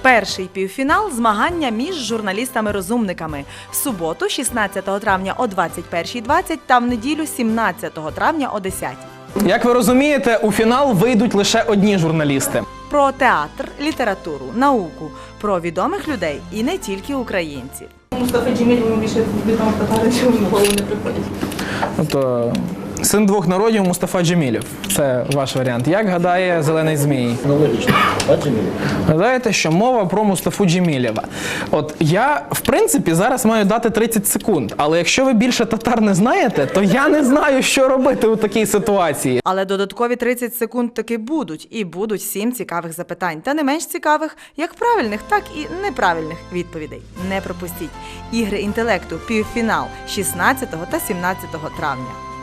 Перший півфінал – змагання між журналістами-розумниками. В суботу, 16 травня о 21:20 та в неділю, 17 травня о 10:00. Як ви розумієте, у фінал вийдуть лише одні журналісти. Про театр, літературу, науку, про відомих людей і не тільки українців. Мустафа Джемілєв більше відомо татари, що в голову не приходять. Тобто, син двох народів Мустафа Джемілєв. Це ваш варіант. Як гадає Зелений Змій? Ну, логічно. А Джемілєв? Гадаєте, що мова про Мустафу Джемілєва. От я, в принципі, зараз маю дати 30 секунд. Але якщо ви більше татар не знаєте, то я не знаю, що робити у такій ситуації. Але додаткові 30 секунд таки будуть. І будуть 7 цікавих запитань. Та не менш цікавих, як правильних, так і неправильних відповідей. Не пропустіть. Ігри інтелекту. Півфінал 16 та 17 травня.